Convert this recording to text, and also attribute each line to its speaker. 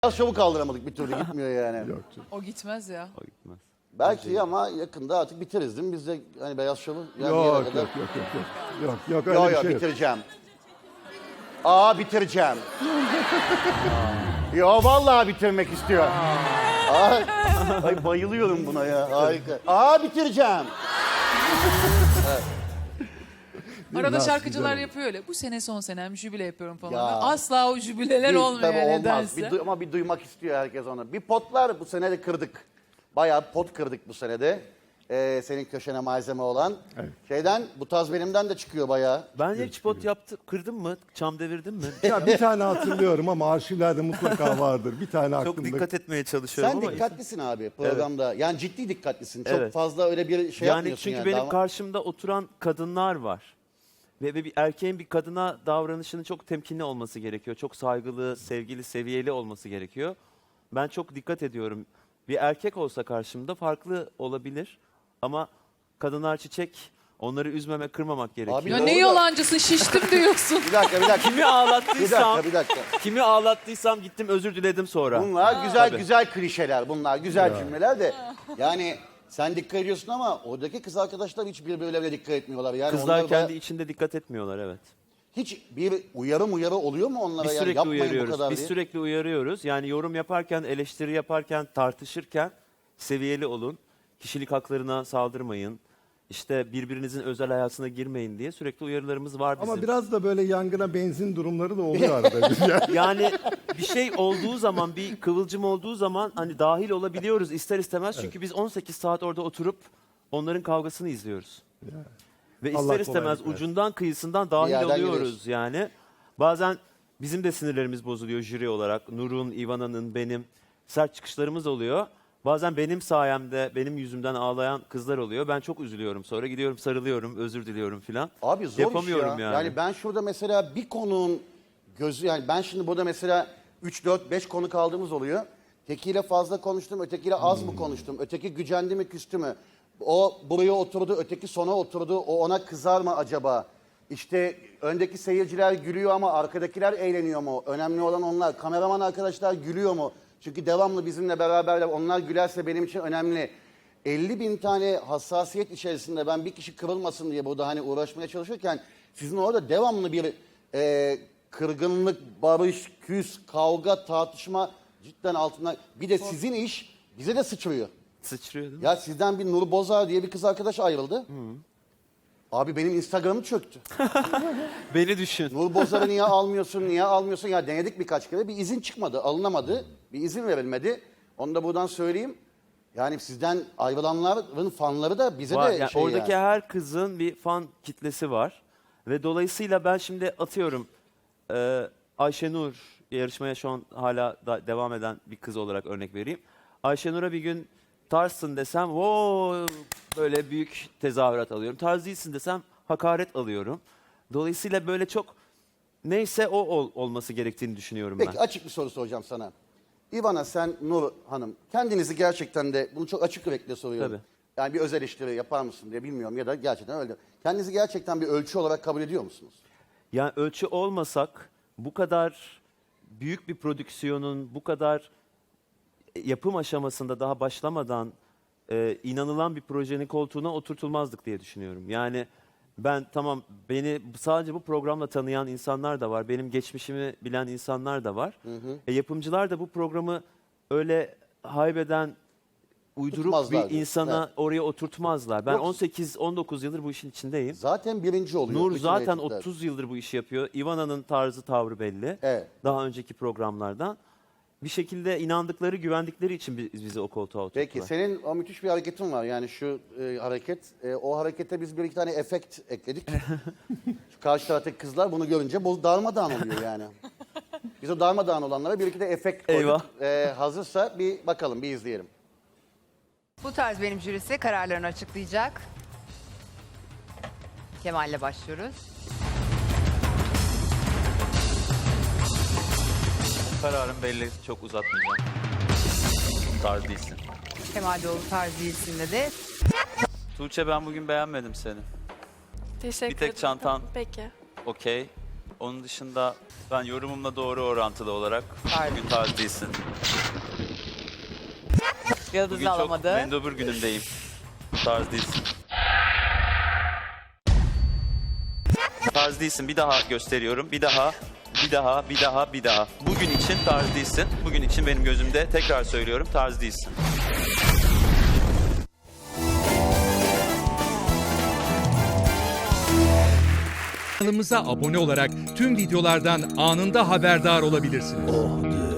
Speaker 1: Biraz çabuk kaldıramadık, bir türlü gitmiyor yani.
Speaker 2: Yok canım.
Speaker 3: O gitmez ya.
Speaker 4: O gitmez.
Speaker 1: Belki ama yakında artık biteriz değil mi? Biz de hani Beyaz Şov'u yani
Speaker 2: Yok,
Speaker 1: bir yere
Speaker 2: yok,
Speaker 1: kadar-
Speaker 2: yok, yok, yok. Yok, yok, öyle
Speaker 1: Yok
Speaker 2: bir
Speaker 1: yok
Speaker 2: şey yok.
Speaker 1: bitireceğim. Bitireceğim. Yo vallahi bitirmek istiyor. Ay bayılıyorum buna ya. Harika. Bitireceğim.
Speaker 3: Arada
Speaker 2: Nasıl
Speaker 3: şarkıcılar
Speaker 2: güzel
Speaker 3: yapıyor öyle. Bu sene son senem, jübile yapıyorum falan.
Speaker 1: Ya.
Speaker 3: Asla o jübileler olmuyor
Speaker 1: Tabii
Speaker 3: yani
Speaker 1: olmaz.
Speaker 3: nedense.
Speaker 1: Ama bir duymak istiyor herkes onu. Bir potlar bu sene de kırdık. Bayağı pot kırdık bu senede. Senin köşene malzeme olan.
Speaker 2: Evet.
Speaker 1: Şeyden, bu tarz benimden de çıkıyor bayağı.
Speaker 4: Ben hiç pot yaptı, kırdın mı? Çam devirdin mi?
Speaker 2: Ya bir tane hatırlıyorum ama arşivlerde mutlaka vardır. Bir tane
Speaker 4: Çok
Speaker 2: aklımda.
Speaker 4: dikkat etmeye çalışıyorum
Speaker 1: Sen
Speaker 4: ama...
Speaker 1: dikkatlisin abi programda. Yani ciddi dikkatlisin. Çok
Speaker 4: Evet.
Speaker 1: fazla öyle bir şey
Speaker 4: Yani
Speaker 1: yapmıyorsun
Speaker 4: çünkü
Speaker 1: yani.
Speaker 4: benim
Speaker 1: Daha-
Speaker 4: karşımda oturan kadınlar var. Ve bir erkeğin bir kadına davranışının çok temkinli olması gerekiyor. Çok saygılı, sevgili, seviyeli olması gerekiyor. Ben çok dikkat ediyorum. Bir erkek olsa karşımda farklı olabilir. Ama kadınlar çiçek, onları üzmeme, kırmamak gerekiyor.
Speaker 1: Abi
Speaker 3: Ya
Speaker 1: doğru
Speaker 3: ne
Speaker 1: da-
Speaker 3: yalancısın, şiştim diyorsun.
Speaker 1: Bir dakika.
Speaker 4: Kimi ağlattıysam,
Speaker 1: bir dakika.
Speaker 4: kimi ağlattıysam gittim özür diledim sonra.
Speaker 1: Bunlar güzel
Speaker 4: Tabii.
Speaker 1: güzel klişeler. Bunlar güzel cümleler de. Yani sen dikkat ediyorsun ama oradaki kız arkadaşlar hiç birbirlerine dikkat etmiyorlar. Yani
Speaker 4: Kızlar
Speaker 1: onlar
Speaker 4: kendi
Speaker 1: da-
Speaker 4: içinde dikkat etmiyorlar, evet.
Speaker 1: hiç bir uyarı oluyor mu onlara?
Speaker 4: Biz
Speaker 1: Yani
Speaker 4: sürekli
Speaker 1: yapmayın bu
Speaker 4: uyarıyoruz.
Speaker 1: kadar
Speaker 4: Biz
Speaker 1: diye.
Speaker 4: sürekli uyarıyoruz. Yani yorum yaparken, eleştiri yaparken, tartışırken seviyeli olun. Kişilik haklarına saldırmayın. İşte birbirinizin özel hayatına girmeyin diye sürekli uyarılarımız var bizim.
Speaker 2: Ama biraz da böyle yangına benzin durumları da oluyor arada. Yani.
Speaker 4: Yani bir şey olduğu zaman, bir kıvılcım olduğu zaman hani dahil olabiliyoruz ister istemez. Çünkü biz 18 saat orada oturup onların kavgasını izliyoruz. Ve
Speaker 2: Allah
Speaker 4: ister istemez
Speaker 2: kolaylık versin.
Speaker 4: ucundan kıyısından dahil
Speaker 1: yerden
Speaker 4: oluyoruz
Speaker 1: giriyorsun.
Speaker 4: yani. Bazen bizim de sinirlerimiz bozuluyor jüri olarak. Nur'un, Ivana'nın, benim sert çıkışlarımız oluyor. Bazen benim sayemde, benim yüzümden ağlayan kızlar oluyor. Ben çok üzülüyorum. Sonra gidiyorum, sarılıyorum, özür diliyorum filan.
Speaker 1: Abi zor
Speaker 4: Yapamıyorum
Speaker 1: iş ya.
Speaker 4: yani.
Speaker 1: Yani ben şurada mesela bir konuğun gözü, yani ben şimdi burada mesela 3, 4, 5 konu kaldığımız oluyor. Tekiyle fazla konuştum, ötekiyle az mı konuştum? Öteki gücendi mi, küstü mü? O buraya oturdu, öteki sona oturdu. O ona kızar mı acaba? İşte öndeki seyirciler gülüyor ama arkadakiler eğleniyor mu? Önemli olan onlar. Kameraman arkadaşlar gülüyor mu? Çünkü devamlı bizimle beraberler. Onlar gülerse benim için önemli. 50.000 tane hassasiyet içerisinde ben bir kişi kırılmasın diye burada hani uğraşmaya çalışırken sizin orada devamlı bir kırgınlık, barış, küs, kavga, tartışma cidden altından. Bir de sizin iş bize de sıçrıyor.
Speaker 4: Sıçrıyor değil mi?
Speaker 1: Ya sizden bir Nur Bozar diye bir kız arkadaş ayrıldı. Abi benim Instagram'ım çöktü.
Speaker 4: Beni düşün.
Speaker 1: Nur Bozar'ı niye almıyorsun, niye almıyorsun? Ya denedik birkaç kere. Bir izin çıkmadı, alınamadı. Bir izin verilmedi. Onu da buradan söyleyeyim. Yani sizden ayrılanların fanları da bize
Speaker 4: Var.
Speaker 1: de
Speaker 4: Yani
Speaker 1: şey
Speaker 4: oradaki
Speaker 1: yani.
Speaker 4: her kızın bir fan kitlesi var. Ve dolayısıyla ben şimdi atıyorum Ayşenur yarışmaya şu an hala da devam eden bir kız olarak örnek vereyim. Ayşenur'a bir gün tarzsın desem böyle büyük tezahürat alıyorum. Tarz değilsin desem hakaret alıyorum. Dolayısıyla böyle çok neyse olması gerektiğini düşünüyorum
Speaker 1: Peki
Speaker 4: ben.
Speaker 1: açık bir soru soracağım sana. İvana, sen, Nur Hanım, kendinizi gerçekten de, bunu çok açık yürekle soruyorum.
Speaker 4: Tabii.
Speaker 1: Yani bir özel eleştiri yapar mısın diye bilmiyorum ya da gerçekten öyle. Kendinizi gerçekten bir ölçü olarak kabul ediyor musunuz?
Speaker 4: Yani ölçü olmasak bu kadar büyük bir prodüksiyonun bu kadar yapım aşamasında daha başlamadan inanılan bir projenin koltuğuna oturtulmazdık diye düşünüyorum. Yani ben tamam, beni sadece bu programla tanıyan insanlar da var. Benim geçmişimi bilen insanlar da var. Yapımcılar da bu programı öyle haybeden uydurup
Speaker 1: Tutmazlardı.
Speaker 4: bir insana
Speaker 1: Evet.
Speaker 4: oraya oturtmazlar. Ben
Speaker 1: Yok.
Speaker 4: 18-19 yıldır bu işin içindeyim.
Speaker 1: Zaten birinci oluyor.
Speaker 4: Nur
Speaker 1: bütün
Speaker 4: zaten
Speaker 1: reytingler.
Speaker 4: 30 yıldır bu işi yapıyor. Ivana'nın tarzı, tavrı belli.
Speaker 1: Evet.
Speaker 4: Daha önceki programlardan. Bir şekilde inandıkları, güvendikleri için bizi o koltuğa oturttular.
Speaker 1: Peki senin o müthiş bir hareketin var, yani şu hareket. O harekete biz bir iki tane efekt ekledik. Şu karşı taraftaki kızlar bunu görünce darmadağın oluyor yani. Biz o darmadağın olanlara bir iki de efekt koyduk. Hazırsa bir bakalım, bir izleyelim.
Speaker 5: Bu tarz benim jürisi kararlarını açıklayacak. Kemal'le başlıyoruz.
Speaker 6: Kararım belli, çok uzatmayacağım. Tarz değilsin.
Speaker 5: Kemal Doğulu tarz değilsin dedi.
Speaker 6: Tuğçe, ben bugün beğenmedim seni.
Speaker 7: Teşekkür
Speaker 6: Bir tek
Speaker 7: ederim.
Speaker 6: çantan.
Speaker 7: Peki.
Speaker 6: Okey. Onun dışında Ben yorumumla doğru orantılı olarak
Speaker 5: Pardon.
Speaker 6: bugün tarz değilsin.
Speaker 5: Yıldız
Speaker 6: Bugün çok
Speaker 5: alamadı.
Speaker 6: mendobur günümdeyim. Tarz değilsin. Tarz değilsin. Bir daha gösteriyorum. Bir daha. Bugün için tarz değilsin. Bugün için benim gözümde tekrar söylüyorum tarz değilsin.
Speaker 7: Kanalımıza abone olarak tüm videolardan anında haberdar olabilirsiniz.